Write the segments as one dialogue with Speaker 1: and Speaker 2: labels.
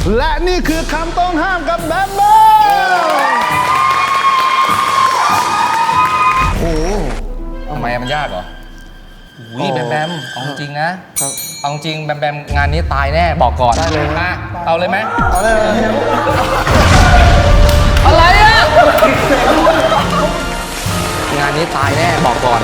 Speaker 1: และนี่คือคำต้องห้ามกับแบมแบมโอ้
Speaker 2: ทำไมมันยากเหรอวิแบมแบมเอาจริงนะเอาจริงแบมแบมงานนี้ตายแน่บอกก่อนได้เลยนะเอาเลยไหม
Speaker 1: เอาเลย
Speaker 2: อะไรอะงานนี้ตายแน่บอกก่อน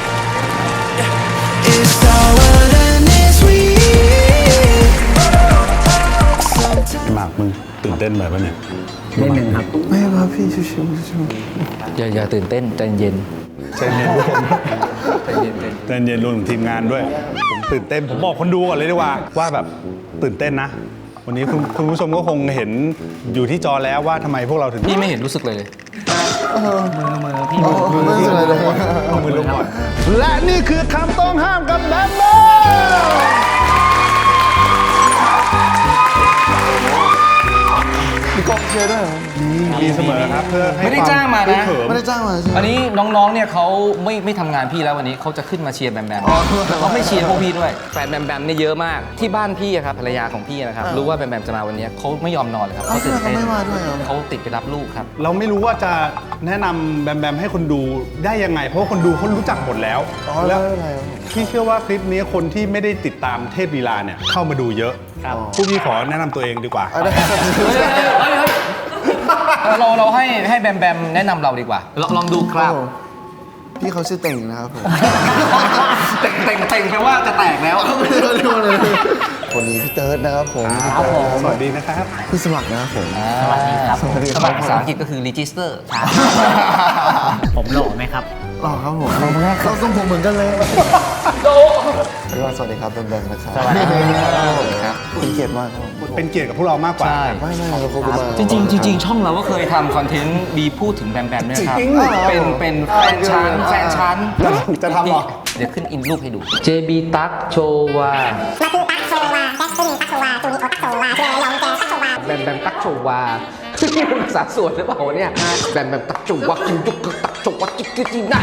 Speaker 1: หมากมึงตื่นเต้นแบบว่าเนี่ย
Speaker 3: นิดนึงครับ
Speaker 1: ไม่ครับพี่ชิว
Speaker 2: อย่าตื่นเต้นใจเย็น
Speaker 1: ใจเย็นใจเย็นรวมถึงทีมงานด้วยผมตื่นเต้นผมบอกคนดูก่อนเลยดีกว่าแบบตื่นเต้นนะวันนี้คุณผู้ชมก็คงเห็นอยู่ที่จอแล้วว่าทำไมพวกเราถึง
Speaker 2: พี่ไม่เห็นรู้สึกเลยมือพี่
Speaker 1: มืออะไรลงก่อนเอามือลงก่อนและนี่คือคำต้องห้ามกับแบมแบมมีกองเชียร์ด้วยมีเสมอครับเพื่อให้
Speaker 2: ไม่ได้จ้างมานะ
Speaker 1: ไม่ได้จ้างมา
Speaker 2: อันนี้น้องๆเนี่ยเขาไม่ทำงานพี่แล้ววันนี้เขาจะขึ้นมาเชียร์แบมแบมเขาไม่เชียร์พวกพี่ด้วยแฟนแบมแบมเนี่ยเยอะมากที่บ้านพี่ครับภรรยาของพี่นะครับรู้ว่าแบมแบมจะมาวันนี้เขาไม่ยอมนอนเลยครับเขาตื่นเต้นเขาติดไปรับลูกครับ
Speaker 1: เราไม่รู้ว่าจะแนะนำแบมแบมให้คนดูได้ยังไงเพราะว่าคนดูเขารู้จักหมดแล้วแล้วพี่เชื่อว่าคลิปนี้คนที่ไม่ได้ติดตามเทพลีลาเนี่ยเข้ามาดูเยอะผู้พี่ขอแนะนำตัวเองดีกว่า
Speaker 2: เราให้แบมแบมแนะนำเราดีกว่าลองดูครับ
Speaker 4: พี่เขาชื่อเต่งนะครับผม
Speaker 2: เต่งแปลว่าจะแตกแล้ว
Speaker 4: คนนี้พี่เติร์ดนะครับผม
Speaker 1: สวัสดีนะครับ
Speaker 4: พี่สมัครนะครับผม
Speaker 2: สวัสดีครับสมัครภาษาอังกฤษก็คือ register
Speaker 3: ผมหล่อไหมครับ
Speaker 4: หล่อครับผมเราทรงผมเหมือนกันเลยสวัสดีครับแบมแบมนะครับ
Speaker 2: สวัสดีครับ
Speaker 4: เป็นเกียรติมากครับ
Speaker 1: เป็นเกียรติกับพวกเรามากกว่า
Speaker 4: ไม่เราขอบคุณมาก
Speaker 2: จริงช่องเราก็เคยทำคอนเทนต์มีพูดถึงแบมแบมด้วยครับเป็นแฟนชั้น
Speaker 1: จะทำหรอ
Speaker 2: เดี๋ยวขึ้นอินรูปให้ดู JB ตั๊กโชวา
Speaker 5: มาคือตั๊กโชวาแจ็คตัวนี้ตั๊กโชวาตัวนี้โอตั๊กโชวาเจอยองแกตั๊กโชวา
Speaker 2: แบมแบมตั๊กโชวานี่เป็นภาษาสวนหรือเปล่าเนี่ยแบมแบมตั๊กโชวากินจุกตั๊กโชวากินกินได้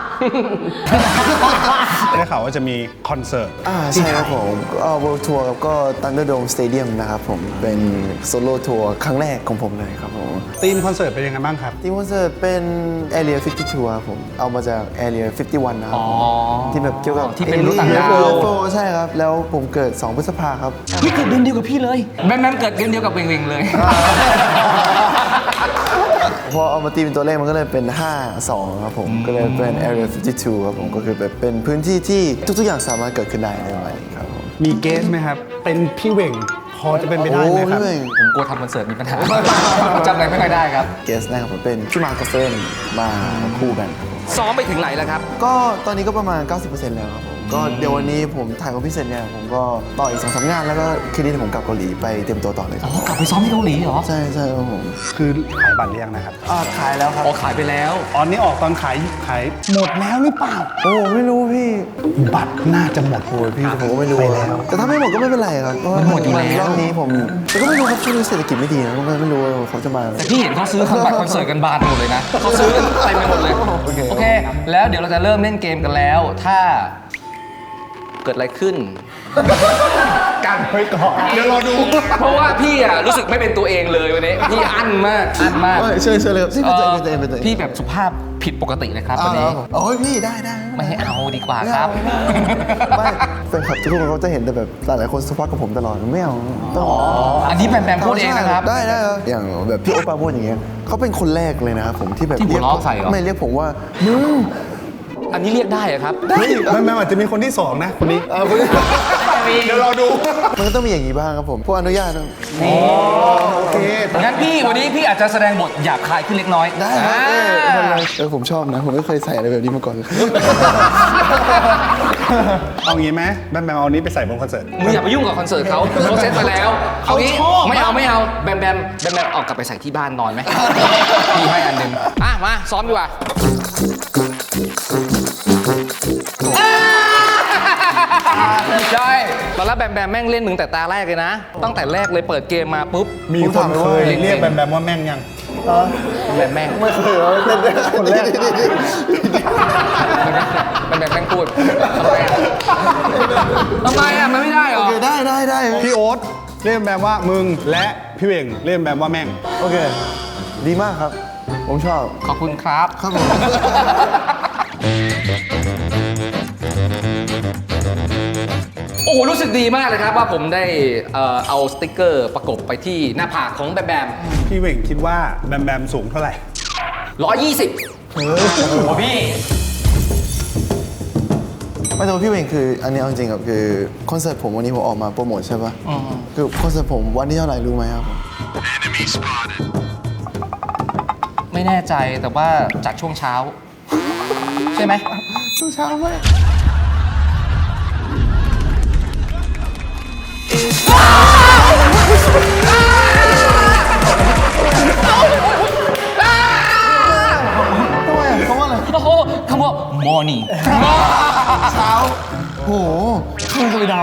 Speaker 1: ได้ข่าวว่าจะมีคอนเสิร์ต
Speaker 4: ใช่ครับผมWorld Tour ครับก็ Thunderdome Stadium นะครับผมเป็นโซโล่ทัวร์ครั้งแรกของผมเลยครับผม
Speaker 1: ธีมคอนเสิร์ตเป็นยังไงบ้างครับ
Speaker 4: ธีมคอนเสิร์ตเป็น Area 52ครับผมเอามาจาก Area 51นะครับที่แบบเกี่ยวกับ
Speaker 2: ที่เป็นรถต่างดาว
Speaker 4: ใช่ครับแล้วผมเกิด2 พฤษภาครับ
Speaker 2: พี่เกิดเดือนเดียวกับพี่เลยแม่เกิดเดือนเดียวกับเวงเลย
Speaker 4: พอเอามาตีเป็นตัวเลขมันก็เลยเป็น52ครับผมก็เลยเป็น Area 52ครับผมก็คือแบบเป็นพื้นที่ที่ทุกๆอย่างสามารถเกิดขึ้นได้ในวันนี้ครับผม
Speaker 1: มีเกสไหมครับเป็นพี่เวงพอจะเป็นไปได้ไหมครับ
Speaker 2: ผมกลัวทำคอนเสิร์ตมีปัญหาจำอะไรไม่ค่อยได้ครับ
Speaker 4: เกสนะครับผมเป็นพี่มาร์คกับเฟรนมาคู่กัน
Speaker 2: ซ้อมไปถึงไหนแล้วครับ
Speaker 4: ก็ตอนนี้ก็ประมาณ 90% แล้วครับผมก็เดี๋ยววันนี้ผมถ่ายกับพี่เซนเนี่ยผมก็ต่ออีก 2-3 งานแล้วก็คืนนี้ผมกลับเกาหลีไปเตรียมตัวต่อเลยครับ
Speaker 2: กลับไปซ้อมที่เกาหลีเหรอ
Speaker 4: ใช่ครับผม
Speaker 1: คือขายบัตรหรือยังนะครับ
Speaker 4: ขายแล้วครับ
Speaker 2: ขายไปแล้ว
Speaker 1: นี่ออกตอนขายหมดแล้วหรือเปล่า
Speaker 4: โอ้ไม่รู้พี่
Speaker 1: บัตรน่าจะหมด
Speaker 4: โอ้พี่ผมก็ไม่รู้ไปแล้วแต่ถ้าไม่หมดก็ไม่เป็นไรครับ
Speaker 2: มันหมดอยู่แล้ว
Speaker 4: รอบนี้ผมแต่ก็ไม่รู้ครับช่วงนี้เศรษฐกิจไม่ดีนะก็ไม่รู้เขาจะมา
Speaker 2: แต่พี่เห็นเขาซื้อบัตรคอนเสิร์ตกันบานหมดเลยนะเขาซื้อกันเต็มไปหมดเลยโอเคแล้วเดี๋ยวเราจะเริ่มเล่นเกมกันแล้วถ้าเกิดอะไรขึ้น
Speaker 1: กันไปก่อนเดี๋ยวรอดู
Speaker 2: เพราะว่าพี่รู้สึกไม่เป็นตัวเองเลยวันนี้พี่อั้นมาก
Speaker 4: เชิญเลยครับ
Speaker 2: พี่แบบสุภาพผิดปกติเลยครับวันนี้
Speaker 4: โอ้ยพี่ได้
Speaker 2: ไม่ให้เอาดีกว่าครับ
Speaker 4: ไม่แฟนคลับทุกคนเขาจะเห็นแต่แบบหลายคนสุภาพกับผมตลอดไม่เอา
Speaker 2: อันนี้แบมพูดเองนะครับ
Speaker 4: ได้อย่างแบบพี่โอปาพูดอย่างเงี้ยเขาเป็นคนแรกเลยนะครับผมที่แบบ
Speaker 2: ที่หัวล้อใส่เหรอ
Speaker 4: ไม่เรียกผมว่ามึง
Speaker 2: อันนี้เรียกได้เหรอครับ
Speaker 1: ไม่อาจจะมีคนที่2นะคนนี้เดี๋ยวรอดู
Speaker 4: มันก็ต้องมีอย่างนี้บ้างครับผมพวกอนุญาต
Speaker 1: โอเค
Speaker 2: งั้นพี่วันนี้พี่อาจจะแสดงบทหยาบคายขึ้นเล็กน้อย
Speaker 4: ได้ผมชอบนะผมไม่เคยใส่อะไรแบบนี้มาก่อน
Speaker 1: เอางี้ไหมแบมเอานี้ไปใส่บนคอนเสิร์ต
Speaker 2: มึงอย่าไปยุ่งกับคอนเสิร์ตเขาเซ็ตไปแล้วเอางี้ไม่เอาแบมออกกลับไปใส่ที่บ้านนอนไหมพี่ให้อันนึงมาซ้อมดีกว่าใช่ตอนแรกแบมแม่งเล่นมึงแต่ตาแรกเลยนะตั้งแต่แรกเลยเปิดเกมมาปุ๊บ
Speaker 1: มีคนเคยเรียกแบมว่าแม่งยัง
Speaker 2: แม่ง
Speaker 4: ไม่เคย
Speaker 1: คนแรก
Speaker 2: แบมแม่งพูดทำไมมันไม่ได้เหรอ
Speaker 4: ได้
Speaker 1: พี่โอ๊ตเรียกแบมว่ามึงและพี่เหวงเรียกแบมว่าแม่ง
Speaker 4: โอเค ดีมากครับ ผมชอบ
Speaker 2: ขอบคุณครับ
Speaker 4: ครับผม
Speaker 2: โอ้โหรู้สึกดีมากเลยครับว่าผมได้เอาสติกเกอร์ประกบไปที่หน้าผากของแบมแบม
Speaker 1: พี่เหวงคิดว่าแบมแบมสูงเท่าไหร่
Speaker 2: 120
Speaker 3: โอ้พี่
Speaker 4: ไม่แต่ว่าพี่เวงคืออันนี้เอาจริงๆครับคือคอนเสิร์ตผมวันนี้ผมออกมาโปรโมทใช่ปะคือคอนเสิร์ตผมวันที่เท่าไหร่รู้ไหมครับผม
Speaker 2: ไม่แน่ใจแต่ว่าจัดช่วงเช้า ใช่ไหม
Speaker 4: ช่วงเช้ามากทำไมเขาว่าอะไร
Speaker 2: โอ้โหคำว่า morning
Speaker 4: เช้าโหข้างเคยดาว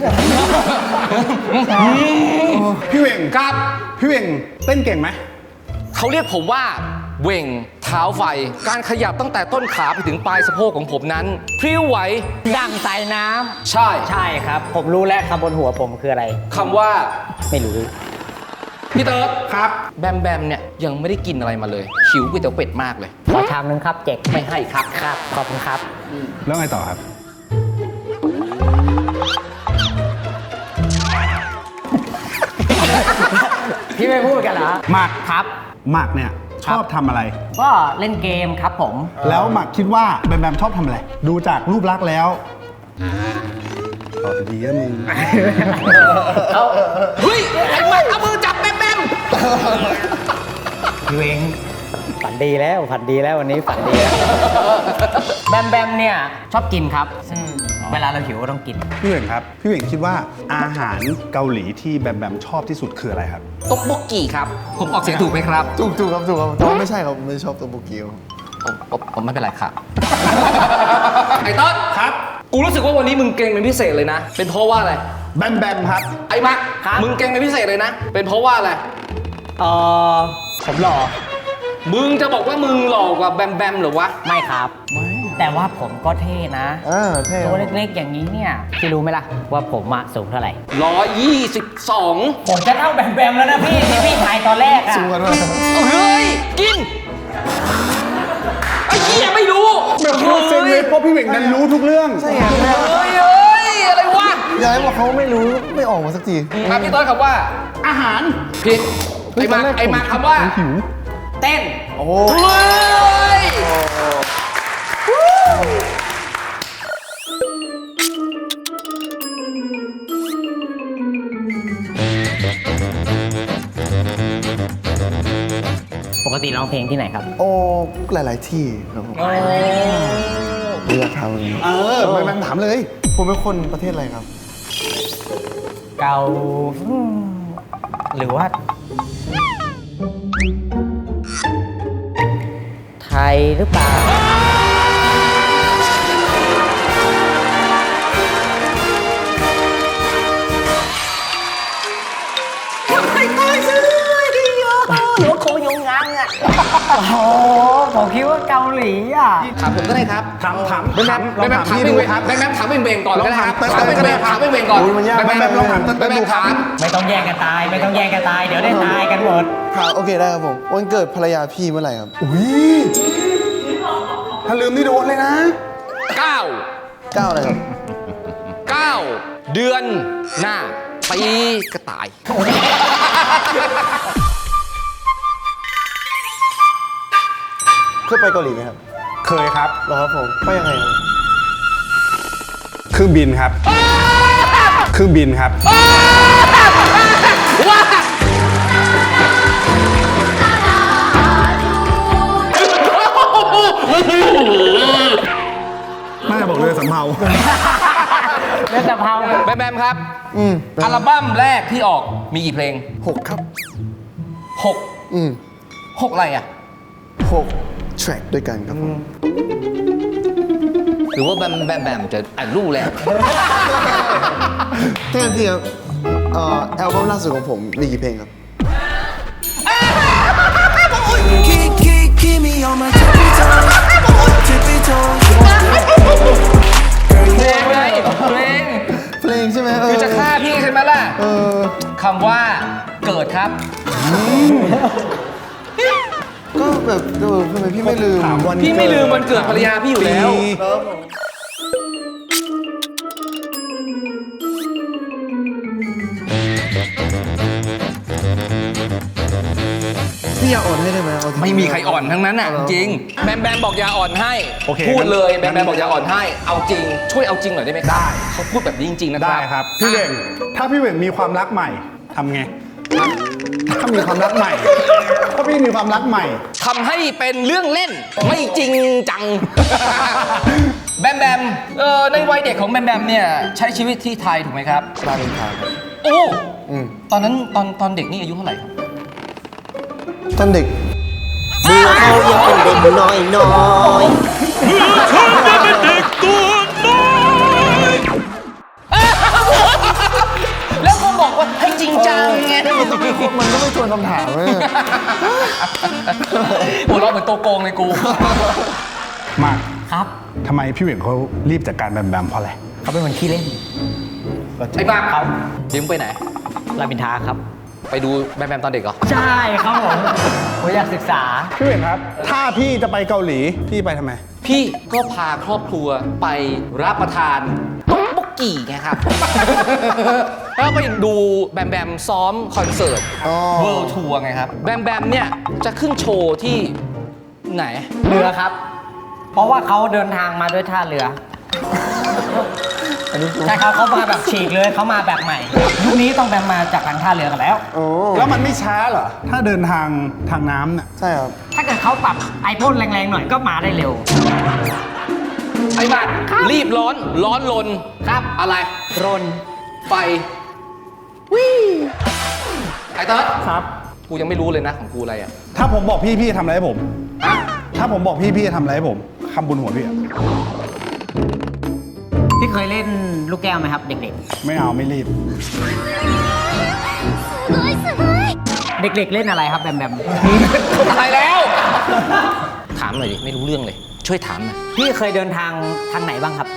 Speaker 1: พี่เหวง
Speaker 2: ครับ
Speaker 1: พี่เหวงเต้นเก่งไหม
Speaker 2: เขาเรียกผมว่าเหว่งเท้าไฟ การขยับตั้งแต่ต้นขาไปถึงปลายสะโพกของผมนั้น พริ้วไหว
Speaker 3: ดั่งสายน้ำ
Speaker 2: ใช่
Speaker 3: ใช่ครับ ผมรู้แล้วคำบนหัวผมคืออะไร
Speaker 2: คำว่า
Speaker 3: ไม่รู้
Speaker 2: พี่เติร์ด
Speaker 1: ครับ
Speaker 2: แบมแบมเนี่ยยังไม่ได้กินอะไรมาเลยหิวก๋วยเตี๋ยวเป็ดมากเลย
Speaker 3: ขอชามนึงครับเจ็ก
Speaker 2: ไม่ให้ครับ
Speaker 3: ครับ ขอบคุณครับ
Speaker 1: แล้วไงต่อครับ
Speaker 3: พี่ไม่พูดกันเหรอ
Speaker 1: หมัก
Speaker 3: ครับ
Speaker 1: หมักเนี่ยชอบทำอะไร
Speaker 3: ก็เล่นเกมครับผม
Speaker 1: แล้วหมักคิดว่าแบมแบมชอบทำอะไร ดูจากรูปลักษณ์แล้วตอบดีอะมึง
Speaker 2: เฮ้ย ไอ้มันเอามือจับแบมแบม
Speaker 3: พี่เวงฝันดีแล้วฝันดีแล้ววันนี้ฝันดีแล้ว แบมแบมเนี่ยชอบกินครับ เวลาเราหิวก็ต้องกิน
Speaker 1: พี่เหวงครับ พี่เหวงคิดว่าอาหารเกาหลีที่แบมแบมชอบที่สุดคืออะไรครับ
Speaker 2: ต๊กบกกี่ครับ ผมออกเสียงถูกไหมครับ
Speaker 4: ถูกครับถูกครับแต่ว่าไม่ใช่ครับผมไม่ชอบตัวโบเกียว
Speaker 2: ผมไม่เป็นไรครับ ไอ้ต้น
Speaker 1: ครับ
Speaker 2: กูรู้สึกว่าวันนี้มึงเก่งเป็นพิเศษเลยนะ เป็นเพราะว่าอะไร
Speaker 1: แบมแบมครับ
Speaker 2: ไอ้มัก
Speaker 3: ครับ
Speaker 2: มึงเก่งเป็นพิเศษเลยนะ เป็นเพราะว่าอะไร
Speaker 3: ผมหล่อ
Speaker 2: มึงจะบอกว่ามึงหล่อกว่าแบมแบมเหรือวะ
Speaker 3: ไม่ครับ แต่ว่าผมก็เท่นะ
Speaker 4: เท่ค
Speaker 3: ตั
Speaker 4: รั
Speaker 3: ว
Speaker 4: บ
Speaker 3: เล็กๆอย่างนี้เนี่ย พี่รู้ไหมล่ะ ว่าผมอะสูงเท่าไหร่
Speaker 2: 122
Speaker 3: ผมจะเท่าแบมแบมแล้วนะพี่ที่พี่ถ่ายตอนแรกอะ
Speaker 4: สูงกันด้วย
Speaker 2: เอาเฮ้ย กิน ไอ้เหี้ยไม่รู้
Speaker 1: แบบโคตรเซ็งเลยเพราะพี่เหวงนั้นรู้ทุกเรื่อง
Speaker 4: ใช่ไง
Speaker 2: เฮ้ยเฮ้ย อะไรวะ
Speaker 4: ยายบอกเขาไม่รู้ไม่ออกมาสักที
Speaker 2: ครับพี่ต้นคำว่า
Speaker 1: อาหาร
Speaker 2: ผิด ไอ้มาคำว่า
Speaker 1: หิว
Speaker 3: เต้น
Speaker 4: โอ้โห
Speaker 2: เฮ้ย
Speaker 3: ปกติร้องเพลงที่ไหนครับ
Speaker 4: โอ้หลาย ๆ ที่ครับผมเลือกทำเลย
Speaker 1: แบมแบมถามเลย
Speaker 4: ผมเป็นคนประเทศอะไรครับ
Speaker 3: เกาหรือว่า ไทยหรือเปล่า หรือว่าโคยงงังอ่ะ โอ้โหผมคิดว่าเกาหลีอ่ะ
Speaker 2: ถามผมก็ได้ครับ
Speaker 1: ถาม
Speaker 2: แบมแบม
Speaker 1: ลองถามพี่ดูครับ
Speaker 2: แบมแบมถามเบ่งๆก่อนก็ได้ครับ
Speaker 1: ลอง
Speaker 2: ถา
Speaker 1: ถาม ม
Speaker 2: เบ่งๆถามเบ่งๆก่อน
Speaker 4: โอ้ยมันยาก
Speaker 2: แบมแบม
Speaker 1: ลองถามเต้นดูครับ
Speaker 2: ถาม
Speaker 3: ไม่ต้องแย่งกันตาย ไม่ต้องแย่งกันตาย เดี๋ยวได้ตายกันหมด
Speaker 4: ครับโอเคได้ครับผม วันเกิดภรรยาพี่เมื่อไหร่ครับ
Speaker 1: อุ้ยถ้าลืมนี่โดนเลยนะ
Speaker 2: 9
Speaker 4: 9อะไรครับ
Speaker 2: 9 เดือนหน้าปีกระต่าย
Speaker 4: เคยไปเกาหลีไหมครับ
Speaker 1: เคยครับ
Speaker 4: เหรอครับผมไปยังไงครับ
Speaker 1: เครื่องบินครับ เครื่องบินครับ
Speaker 2: ว้า
Speaker 1: น่าจะบอกเลยสำเภา
Speaker 3: เล่นแต่เผา
Speaker 2: แบมแบมครับ อัลบั้มแรกที่ออกมีกี่เพลง
Speaker 4: 6 ครับ
Speaker 2: 6 6 อะไรอ่ะ
Speaker 4: 6 แทร็กด้วยกันครับผม
Speaker 2: หรือว่าแบมแบมจะอ่านรู้แล้ว
Speaker 4: ถ้างั้นพี่ครับอัลบั้มล่าสุดของผมมีกี่เพลงครับ
Speaker 6: Keep me on my tippy toes, tippy toes.
Speaker 2: เพลงไงเพลง
Speaker 4: เพลงใช่ไหม
Speaker 2: คือจะฆ่าพี่ใช่ไหมล่ะ
Speaker 4: เออ
Speaker 2: คำว่าเกิดครับ
Speaker 4: ก็แบบทำไมพี่ไม่ลืม
Speaker 1: ถามวัน
Speaker 2: พี่ไม่ลืมวันเกิดภรรยาพี่อยู่แล้ว
Speaker 4: พี่อยากอ่อนให้ได้ไหมเอาจริงๆ
Speaker 2: ไม่มีใครอ่อนทั้งนั้นอ่ะจริงแบมแบมบอกอย่าอ่อนให้
Speaker 1: โอเค
Speaker 2: พูดเลยแบ
Speaker 1: งั้
Speaker 2: ม
Speaker 1: น
Speaker 2: แบมบอกอย่าอ่อนให้เอาจริงช่วยเอาจริงหน่อยได้ไหมครับได้เขาพูดแบบนี้จริงๆนะครับ
Speaker 1: ได้ครับ พี่เวงถ้าพี่เวงมีความรักใหม่ทำไง ถ้ามีความรักใหม่ ถ้าพี่มีความรักใหม่
Speaker 2: ทำให้เป็นเรื่องเล่นไม่จริงจัง แบมแบมในวัยเด็กของแบมแบมเนี่ยใช้ชีวิตที่ไทยถูกไหมครับ
Speaker 4: รามอินทราครับ
Speaker 2: โอ้ตอนนั้นตอนเด็กนี่อายุเท่าไหร่ครับ
Speaker 4: ตอนเด็ก
Speaker 3: มือเขายังเป็นเด็กน้อยน้อย
Speaker 2: แล้วก็บอกว่าให้จริงจังไง
Speaker 4: มันก็ไม่ชวนคำถามเลย
Speaker 2: หัวเราะเหมือนตัวโกงเลยกู
Speaker 1: มาก
Speaker 3: ครับ
Speaker 1: ทำไมพี่เวงเขารีบจัดการแบมแบมเพราะอะไร
Speaker 3: เขาเป็นคนขี้เล่น
Speaker 2: ไอ้บ้าเขายืมไปไหน
Speaker 3: รามอินทราครับ
Speaker 2: ไปดูแบมแบมตอนเด็กเหรอ
Speaker 3: ใช่ครับผมอยากศึกษา
Speaker 1: พี่เวงครับ ถ้าพี่จะไปเกาหลีพี่ไปทำไม
Speaker 2: พี่ก็พาครอบครัวไปรับประทานต๊อกบกกี่ไงครับ แล้วไปดูแบมแบมซ้อมคอนเสิร์ต World Tour ไงครับ แบมแบมเนี่ยจะขึ้นโชว์ที่ไหน
Speaker 3: เรือครับ เพราะว่าเขาเดินทางมาด้วยท่าเรือ ใช่ครับเขามาแบบฉีกเลยเขามาแบบใหม่ ยุคนี้ต้องแบมมาจากทางท่าเรือกันแล้ว
Speaker 4: โอ้
Speaker 1: แล้วมันไม่ช้าเหรอ ถ้าเดินทางน้ำเนี่ย
Speaker 4: ใช่ครับ
Speaker 3: ถ้าเกิดเขาปรับไอพ่นแรงๆหน่อยก็มาได้เร็ว
Speaker 2: ไอ้บ้านรีบร้อนลนครับอะไร
Speaker 3: รน
Speaker 2: ไฟวิไอ้เติร์ด
Speaker 1: ครับ
Speaker 2: กูยังไม่รู้เลยนะของกูอะไรอ่ะ
Speaker 1: ถ้าผมบอกพี่พี่จะทำอะไรให้ผม
Speaker 2: ฮะ
Speaker 1: ถ้าผมบอกพี่พี่จะทำอะไรให้ผมคำบุญหัวพี่อะ
Speaker 3: พี่เคยเล่นลูกแก้วไหมครับ เด็ก
Speaker 1: ไม่เอาไม่รีบ
Speaker 3: ๆ เด็กๆเล่นอะไรครับแบมแบม
Speaker 2: อะไรแล้ว ถามหน่อยดิไม่รู้เรื่องเลย ช่วยถามหน่อย
Speaker 3: พี่เคยเดินทางทางไหนบ้างครับ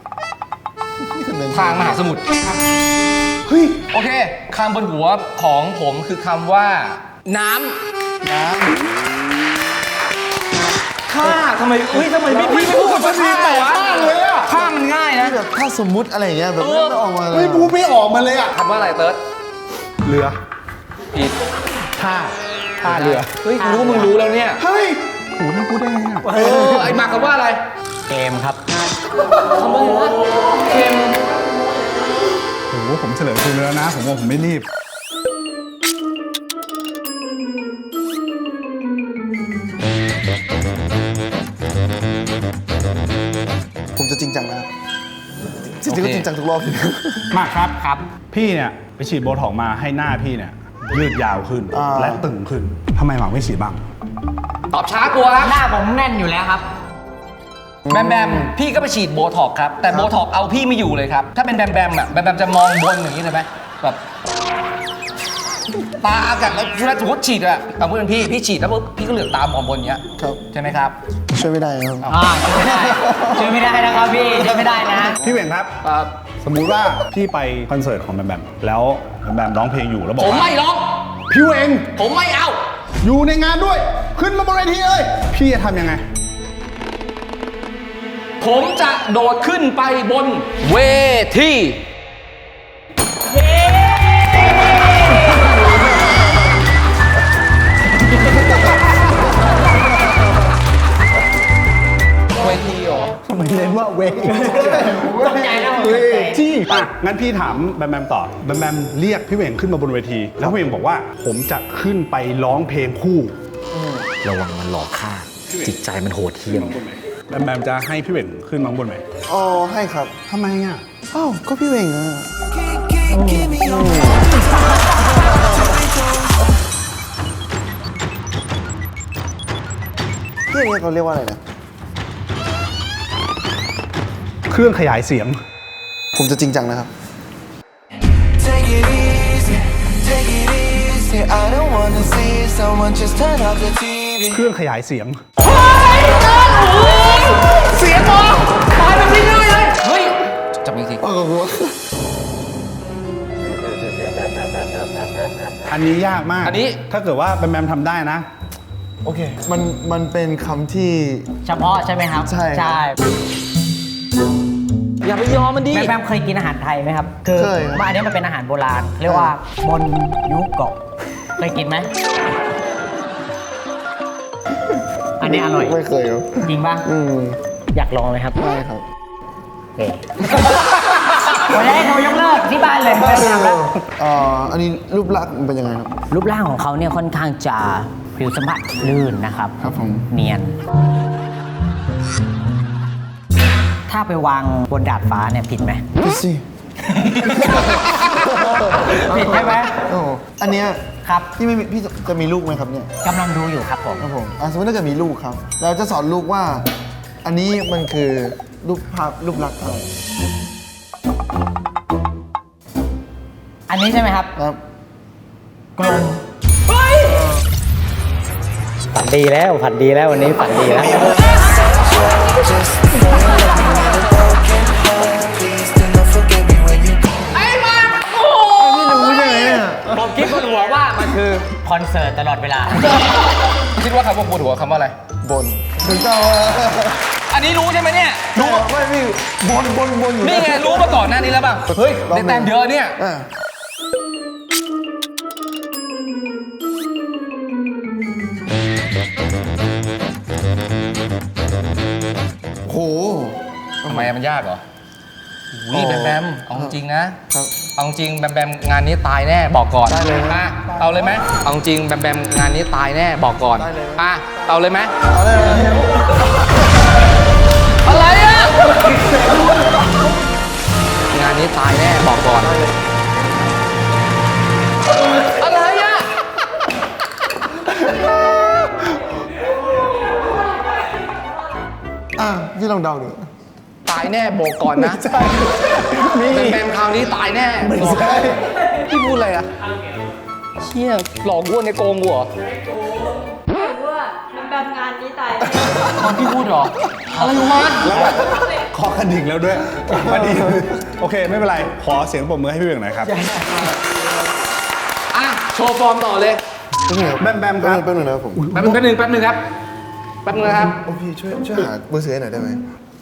Speaker 2: ทางมหาสมุทร
Speaker 1: เฮ้ย
Speaker 2: โอเคคำบนหัวของผมคือคำว่า น้ำข้าทำไมทำไมไม่พี่ไม่พูดกับฉันแต่วะข้ามันง่ายนะ
Speaker 4: แบบถ้าสมมุติอะไรอย่างเงี้ยแบบไม่ออกมาเลย
Speaker 1: ไม่พูดไม่ออกมาเลยอะ
Speaker 2: คำว่าอะไรเติร์ด
Speaker 1: เรือ
Speaker 2: ผิด
Speaker 1: ท่าเรือ
Speaker 2: เฮ้ยกูรู้ว่ามึงรู้แล้วเนี่ย
Speaker 1: เฮ้ยโหนี่พูดได้ไงอะ
Speaker 2: ไอ้หมากคำว่าอะไร
Speaker 3: เกมครับ
Speaker 2: คำว่าอะไรนะเค็ม
Speaker 1: โหผมเฉลยคุณแล้วนะ ผมว่าผมไม่รีบ
Speaker 4: ผมจะจริงจังนะครับจริงๆก็จริงจังทุกรอบเลย
Speaker 1: มากครับครับ พี่เนี่ยไปฉีดโบท็อกซ์มาให้หน้าพี่เนี่ยยืดยาวขึ้น และตึงขึ้นทำไมหมากไม่ฉีดบ้าง
Speaker 2: ตอบช้ากลัวครับ
Speaker 3: หน้าผมแน่นอยู่แล้วครับ
Speaker 2: แบมแบมพี่ก็ไปฉีดโบท็อกซ์ครับ แต่โบท็อกซ์เอาพี่ไม่อยู่เลยครับ ถ้าเป็นแบมแบมอะแบมแบมจะมองบนอย่างนี้เลยไหมแบบตาอากาศแล้วเวลาสมมติฉีดอะเอาพูดเป็นพี่ฉีดแล้วปุ๊บพี่ก็เหลือกตามองบนอย่างเงี้ย
Speaker 4: ครับ
Speaker 2: ใช่ไหมครับ
Speaker 4: ช่วยไม่ได้ครับ
Speaker 3: ช่วยไม่ได้นะครับพี่ช่วยไม่ได้นะ
Speaker 1: พี่เหวงครับ
Speaker 2: ครับ
Speaker 1: สมมุติว่าพี่ไปคอนเสิร์ตของแบมแบมแล้วแบมแบมร้องเพลงอยู่แล้วบอก
Speaker 2: ผม
Speaker 1: ว่า
Speaker 2: ไม่ร้อง
Speaker 1: พี่เหวง
Speaker 2: ผมไม่เอา
Speaker 1: อยู่ในงานด้วย ขึ้นมาบนเวทีเลยพี่จะทำยังไง
Speaker 2: ผมจะโดดขึ้นไปบนเวที เวทีเหรอ
Speaker 1: ทำไมเน้นว่าเวที
Speaker 3: ตกใจนะผม
Speaker 1: เวทีอ่ะงั้นพี่ถามแบมแบมต่อแบมแบมเรียกพี่เหวงขึ้นมาบนเวที แล้วพี่เหวงบอกว่าผมจะขึ้นไปร้องเพลงคู่
Speaker 3: ระวังมันหลอกฆ่า จิตใจมันโหดเหี้ยม
Speaker 1: แบมแบมจะให้พี่เหวงขึ้นมาข้างบนไหม
Speaker 4: อ๋อให้ครับ
Speaker 1: ทำไมอ่ะ
Speaker 4: อ้าวก็พี่เวงอะ
Speaker 6: Give me your
Speaker 4: ที่อย่างเงี้ยเขาเรียกว่าอะไรนะ
Speaker 1: เครื่องขยายเสียง
Speaker 4: ผมจะจริงจังนะครับ
Speaker 6: take it easy, take it easy. I don't wanna see someone just turn off the TV.
Speaker 1: เครื่องขยายเสียง
Speaker 2: เสียงมองตายแบบนี้เลยเฮ้ยจับมือที
Speaker 1: อันนี้ยากมาก
Speaker 2: อันนี้
Speaker 1: ถ้าเกิดว่าแบมแบมทำได้นะ
Speaker 4: โอเค มันเป็นคำที่
Speaker 3: เฉพาะใช่ไหมครับ
Speaker 4: ใช่ครับ
Speaker 2: อย่าไปยอมมันดิ
Speaker 3: แบมเคยกินอาหารไทยไหมครับคือ
Speaker 4: เคยครับ
Speaker 3: ว่าอันนี้มันเป็นอาหารโบราณ เรียกว่าบนยุโกะเคยกินไหมอันนี้อร่อย
Speaker 4: ไม่เคยครับ
Speaker 3: จริงป่ะ อยากลองไหมครับ
Speaker 4: ได้ครับ
Speaker 3: โอเควันนี้โทรยกเลิกที่บ้านเลยไม่ทำแล้ว
Speaker 4: อันนี้รูปลักษณ์มันเป็นยังไงครับ
Speaker 3: รูปร่างของเขาเนี่ยค่อนข้างจะผิวสัมผัสลื่นนะครับ
Speaker 4: ครับผม
Speaker 3: เนียน ถ้าไปวางบนดาดฟ้าเนี่ยผิดไหม
Speaker 4: พี่สิ
Speaker 3: ผิดใช่ไหม
Speaker 4: โอ้อันเนี้ย
Speaker 3: ครับ
Speaker 4: พี่ไม่มีพี่จะมีลูกไหมครับเนี่ย
Speaker 3: กำลังดูอยู่ครับผม
Speaker 4: ครับผมสมมติถ้าเกิดมีลูกครับ เราจะสอนลูกว่า อันนี้มันคือรูปภาพรูปลักษณ์อะไร
Speaker 3: อันนี้ใช่ไหมครับ
Speaker 4: ครับ
Speaker 3: กลมฝันดีแล้วฝันดีแล้ววันนี้ฝันดีแล้ว
Speaker 6: Please do not forget me when you go.
Speaker 3: ผมคิดบนหัวว่ามันคือคอนเสิร์ตตลอดเวลา
Speaker 2: คิดว่าคำว่าปวดหัวคำว่าอะไร
Speaker 4: บนถึงต้อง
Speaker 2: อันนี้รู้ใช่ไหมเนี่ย รู้
Speaker 4: ไม่พี่บนอยู่
Speaker 2: นี่ไงรู้มาก่อนหน้านี้แล้วป่ะเฮ้ยได้แต้มเยอะเนี่ย
Speaker 4: อ่ะโห
Speaker 2: ทำไมมันยากเหรอวิแบมแบมเอาจริงนะครับ เอาจริงแบมแบมงานนี้ตายแน่บอกก่อน
Speaker 4: ได้เลย
Speaker 2: อ่ะเอาเลยไหมเอาจริงแบมแบมงานนี้ตายแน่บอกก่อน
Speaker 4: ได้เลย
Speaker 2: อ่ะเอาเลยไหม
Speaker 4: เอาได้เลย
Speaker 2: อะไรอ่ะงานนี้ตายแน่บอกก่อนอะไรอ่ะ
Speaker 4: พี่ลองเดาดู
Speaker 2: ตายแน่บอกก่อนนะ
Speaker 4: มี
Speaker 2: แบมแบมคราวนี้ตายแน่
Speaker 4: ไม่ใช่
Speaker 2: พี่พูดอะไรอ่ะเชี่ยหลอกอ้วนในโกงกูเหรอ
Speaker 7: ว่ามันแบบงานนี้ตาย
Speaker 2: ตอนพี่พูดเหรออะไรวะ
Speaker 1: คอกระดิ่งแล้วด้วยพอดีโอเค ไม่เป็นไร ขอเสียงปรบมือให้พี่เบียงหน่อยครับ
Speaker 2: อ่ะโชว์ฟอร์มต่อเลย
Speaker 1: แบมแบมครับ
Speaker 4: แป๊บนึงนะครับผม
Speaker 2: แป๊บนึงครับแป๊บนึงนะครับ
Speaker 4: โอ้พี่ช่วยหาเบอร์เสือให้หน่อยได้ไหม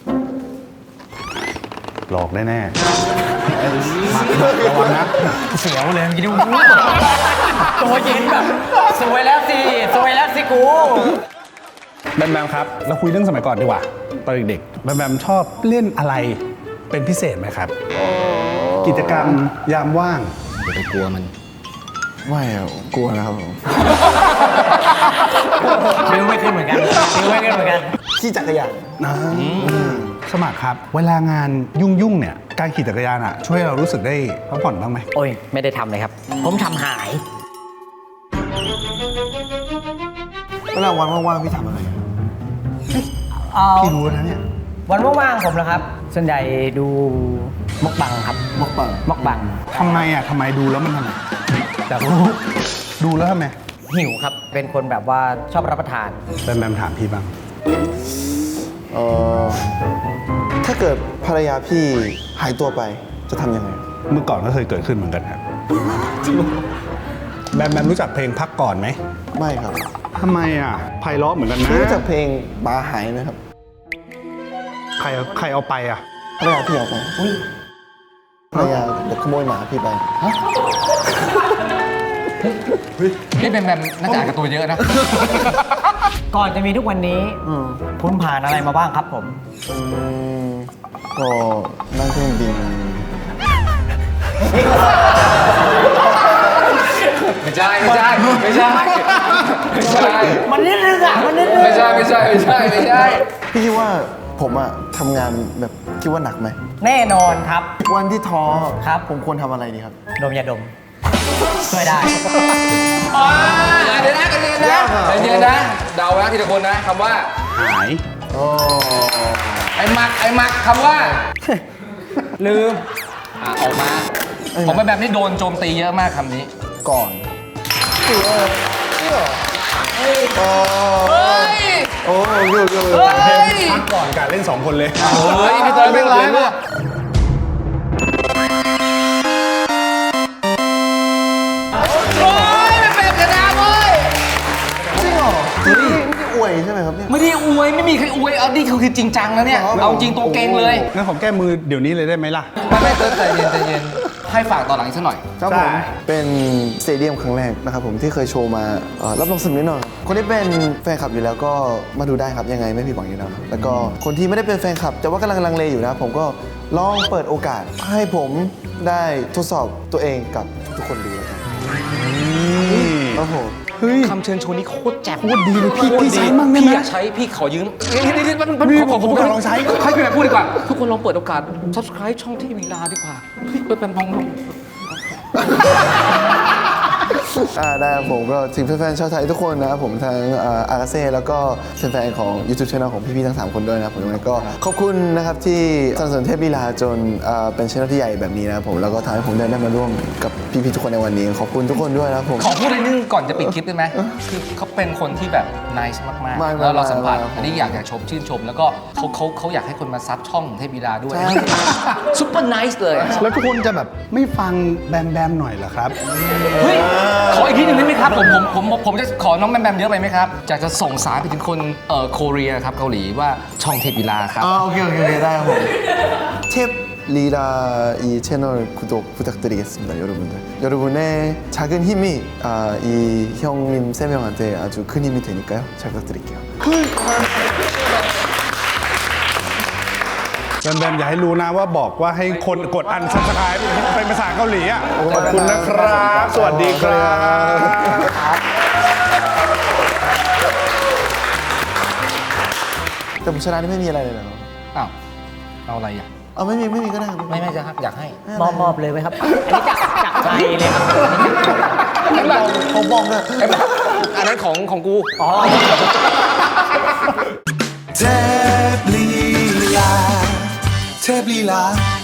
Speaker 1: หลอกแน่ๆมาระวังนะ
Speaker 3: เสียวเลยเมื่อกี้ดูตัวเย็นแบบสวยแล้วสิสวยแล้วสิกู
Speaker 1: แบมแบมครับ เราคุยเรื่องสมัยก่อนดีกว่า ตอนเด็กๆแบมแบมชอบเล่นอะไรเป็นพิเศษไหมครับ กิจกรรมยามว่าง
Speaker 2: อย่าไปกลัวมัน
Speaker 4: ไม่อะกลัวนะครับผม
Speaker 3: นิ้วไม่ขึ้นเหมือนกันนิ้วไม่ขึ้นเหมือนกัน
Speaker 4: ขี่จักรยาน
Speaker 1: นะสมัครครับ เวลางานยุ่งๆเนี่ย การขี่จักรยานอ่ะ ช่วยเรารู้สึกได้พักผ่อนบ้างไหม
Speaker 3: โอ้ยไม่ได้ทำเลยครับ ผมทำหาย
Speaker 4: เวลาวันว่างๆพี่ทำอะไร
Speaker 1: พี่รู้นะเนี่ย
Speaker 3: วันว่างๆผมเหรอครับ ส่วนใหญ่ดูมกบังครับ
Speaker 4: มกปัง
Speaker 3: มกบัง
Speaker 1: ทำไมอ่ะทำไมดูแล้วมันทำไมอยากรู้ดูแล้วทำไม
Speaker 3: หิวครับ เป็นคนแบบว่าชอบรับประทาน
Speaker 1: แบมแบมถามพี่บ้าง
Speaker 4: ถ้าเกิดภรรยาพี่หายตัวไปจะทำยังไง
Speaker 1: เมื่อก่อนก็เคยเกิดขึ้นเหมือนกันครับแบมแบมรู้จักเพลงพักก่อนไหม
Speaker 4: ไม่ครับ
Speaker 1: ทำไมอ่ะไพเราะเหมือนกันนะ
Speaker 4: พี่รู้จักเพลงบาหายไหมครับ
Speaker 1: ใครเอาไปอ่ะ
Speaker 4: ภรรยาพี่เอาไปภรรยาเดี๋ยวขโมยหมาพี่ไป
Speaker 2: นี่แบมแบมน่าจะอ่านการ์ตูนเยอะนะ
Speaker 3: ก่อนจะมีทุกวันนี้คุณผ่านอะไรมาบ้างครับผม
Speaker 4: ก็นั่งเครื่องบิน
Speaker 2: ไม่ใช่
Speaker 3: มันนิดนึงอ่ะ มันนิดนึง
Speaker 2: ไม่ใช่
Speaker 4: พี่คิดว่าผมอะทำงานแบบคิดว่าหนักไหม
Speaker 3: แน่นอนครับ
Speaker 4: วันที่ท้อ
Speaker 3: ครับ
Speaker 4: ผมควรทำอะไรดีครับ
Speaker 3: ดมยาดม ช่วยได้
Speaker 2: เดี๋ยวนะใจเย็นนะเดานะทีละคนนะคำว่า
Speaker 1: หาย
Speaker 2: ไอ้หมักคำว่า ลืมออกมาผมเป็นแบบนี้โดนโจมตีเยอะมากคำนี้
Speaker 4: ก่อน
Speaker 2: เฮ้ย
Speaker 4: โอ้ย
Speaker 1: พักก่อนการเล่น2 คนเลย
Speaker 2: เฮ้ยพี่เตยไม่ร้ายมากโอ้ย
Speaker 4: ใช่ไหมครับเนี่ย
Speaker 2: ไม่ได้อวยไม่มีใครอวยเอานี่คือจริงจังแล้วเนี่ยเอาจริงตัวเก่งเลย
Speaker 1: งั้นขอแก้มือเดี๋ยวนี้เลยได้ไหมล่ะ
Speaker 2: ไม่ใจเย็นใจเย็นให้ฝากต่อหลังอีกสักหน่อย
Speaker 4: ครับผมเป็นสเตเดียมครั้งแรกนะครับผมที่เคยโชว์มารับรองสนุกแน่นอนคนที่เป็นแฟนคลับอยู่แล้วก็มาดูได้ครับยังไงไม่ผิดหวังอยู่แล้วแล้วก็คนที่ไม่ได้เป็นแฟนคลับ แต่ว่ากำลังลังเลอยู่นะผมก็ลองเปิดโอกาสให้ผมได้ทดสอบตัวเองกับทุกคนดูแล้วกันครับผม
Speaker 1: เฮ้ย
Speaker 2: คำเชิญชวนนี้โคตรแจ๋ว
Speaker 1: โคตรดีเลยพี่ใช้มั่งได้ไหม
Speaker 2: พี่อยากใช้พี่ขอยืมนี่มัน
Speaker 1: พี่ผมอยากลองใช้
Speaker 2: ให้พี่แบบพูดดีกว่า ทุกคนลองเปิดโอกาส subscribe ช่องที่วีลาดีกว่าเฮ้ยเป็นมอง
Speaker 4: ได้ครับผมก็ถึงแฟนๆชาวไทยทุกคนนะครับผมทั้งอากาเซ่แล้วก็แฟนๆของ YouTube Channel ของพี่ๆทั้ง3คนด้วยนะครับผมยังไงก็ขอบคุณนะครับที่สนับสนุนเทพลีลาจนเป็นช่องที่ใหญ่แบบนี้นะครับผมแล้วก็ทำให้ผมได้มาร่วมกับพี่ๆทุกคนในวันนี้ขอบคุณทุกคนด้วยนะครับผม
Speaker 2: ขอพูดอะไรนึงก่อนจะปิดคลิปได้ไหมคือเขาเป็นคนที่แบบ nice มากๆแล้วเราสัมผัสอันนี้อยากชื่นชมแล้วก็เขาอยากให้คนมาซับช่องเทพลีลาด้วยซุปเปอร์ไนส์เลย
Speaker 1: แล้วทุกคนจะแบบไม่ฟังแบมหน่อยเหรอครับ
Speaker 2: เฮ้ย ขออีกทีหนึ่งได้ไหมครับ ผมจะขอน้องแบมเยอะไปไหมครับอยากจะส่งสารไปถึงคนโคเรียครับเกาหลีว่าช่องเทพลีลาครับ
Speaker 4: โอเคได้ครับผมเทพลีลา이 채널 구독 부탁드리겠습니다 여러분의 작은 힘이 이 형님 3명한테 아주 큰 힘이 되니까요 잘 부탁드릴게요
Speaker 1: แบมอย่าให้รู้นะว่าบอกว่าให้คนกดอันซับสไครป์เป็นภาษาเกาหลีอ่ะขอบคุณนะครับ สวัสดีครับ
Speaker 4: แต่ผมชนะนี่ไม่มีอะไรเลยเหรอ
Speaker 2: อ้าวเอาอะไรอ่ะ
Speaker 4: เอาไม่มีก็ได้ครับ
Speaker 2: ไม่จะครับอยากให้
Speaker 3: มอบเลยไหมครับ อันนี้จากใจเลยครับ
Speaker 4: เขาบอกเลย
Speaker 2: อันนั้นของกู
Speaker 6: เทพลีลา